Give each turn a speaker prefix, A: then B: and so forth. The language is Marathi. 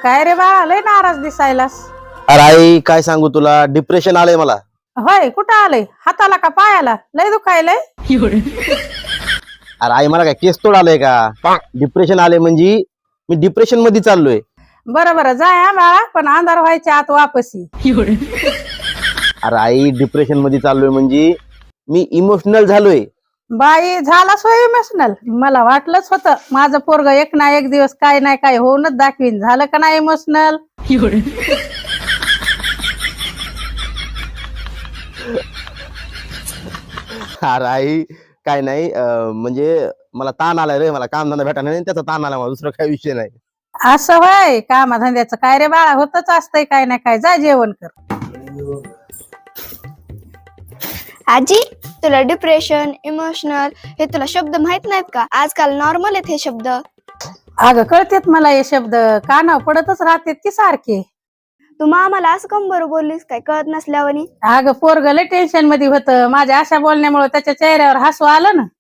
A: काय रे बाळा, लय नाराज दिसायलास.
B: अरे आई काय सांगू तुला, डिप्रेशन आलंय मला.
A: होय, कुठं आलंय? हाताला का पायाला? लय दुखायलंय.
B: अरे आई मला काय केस तोड आलंय का? डिप्रेशन आले म्हणजे मी डिप्रेशन मध्ये चाललोय.
A: बरं बरं, जाय हा बाळा, पण अंधार व्हायच्या आत वापसी.
B: अरे आई डिप्रेशन मध्ये चाललोय म्हणजे मी इमोशनल झालोय.
A: बाई, झालाच होय इमोशनल? मला वाटलंच होतं माझं पोरग एक ना एक दिवस काय नाही काय होऊनच दाखवीन. झालं का नाही इमोशनल?
B: अरे आई काय नाही म्हणजे मला ताण आलाय रे, मला काम धंदा भेटा नाही त्याचा ताण आला मला, दुसरा काही विषय नाही.
A: असं होय, कामाधंद्याचं काय रे बाळा, होतच असतंय काय नाही काय. जा जेवण कर.
C: आजी, तुला डिप्रेशन, इमोशनल हे तुला शब्द माहित नाहीत का? आजकाल नॉर्मल आहेत हे शब्द.
A: अगं कळतेत मला हे शब्द, कानावर पडतच राहतेत की सारखे.
C: तू आम्हाला असं कम बरं बोललीस काय कळत नसल्यावानी?
A: अगं पोरग लय टेन्शन मध्ये होतं, माझ्या अशा बोलण्यामुळे त्याच्या चेहऱ्यावर हसू आलं ना.